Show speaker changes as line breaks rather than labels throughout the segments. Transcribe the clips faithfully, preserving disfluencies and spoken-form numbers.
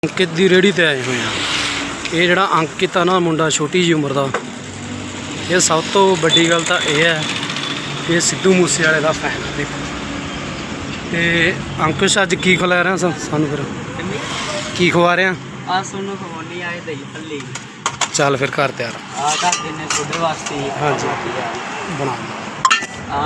अंकित की रेहड़ी ते आए हुए हैं। ये जोड़ा अंकित है ना मुंडा छोटी जी उम्र का, ये सब तो बड़ी गल तो यह है कि सिद्धू मूसे वाले का फैन है। देखो तो अंकुश अज की खिला रहे हैं सानू, फिर की खवा रहे हैं? चल फिर घर तैयार। हाँ जी बना हाँ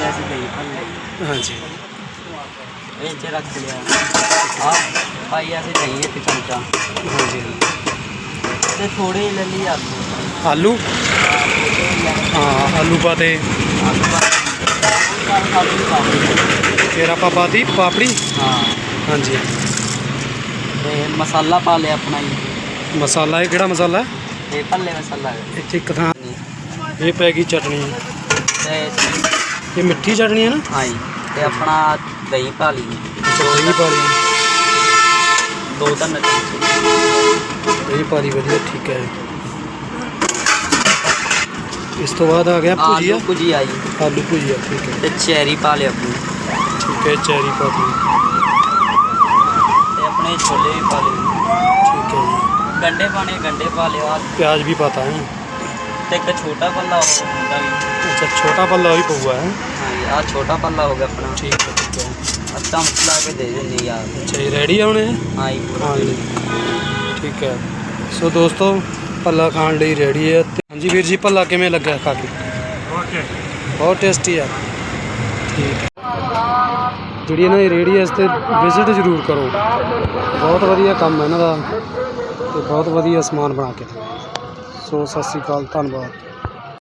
जी
रख लिया पाई ऐसे दही एक चमचा।
हाँ जी
ते थोड़े ही ले लिए
आलू।
आलू
हाँ आलू पाते, फिर आप पाती पापड़ी।
हाँ
हाँ जी
ते मसाला पा लिया अपना ही।
मसाला है किहड़ा मसाला है?
ये भल्ले मसाला है।
इत्थे एक थां ये पैगी चटनी,
ते
ये मिट्ठी चटनी है ना?
हाँ जी ते अपना दही पा ली।
दही पा ली,
दो तीन
दही पा ली वधिया ठीक है। इस तो बाद आ गया भुजिया।
आलू भुजिया जी,
आलू भुजिया ठीक है।
ते चेरी पा लिया अपनी।
ठीक है चेरी पा दी,
ते अपने छोले भी पा लिए।
ठीक है जी।
गंढे पाने गंढे पा लिया।
प्याज भी पाता है।
ते एक छोटा पल्ला होगा भी।
अच्छा छोटा पल्ला भी पौआ है।
हाँ जी आ छोटा पल्ला हो गया अपना।
ठीक है ठीक है।
अच्छा मसला के दे देंगे यार।
अच्छा ये रेडी है उन्हें?
हाँ जी
हाँ जी ठीक है। सो दोस्तों भल्ला खाने ਲਈ रेडी है। हाँ जी वीर जी भल्ला किमें लगा खा के? बहुत टेस्टी है। ठीक है जी ना रेडी है, इस पर विजिट जरूर करो, बहुत वधिया काम है इन्हां दा ते बहुत वधिया समान बना के। सो सत श्री अकाल, धन्नवाद।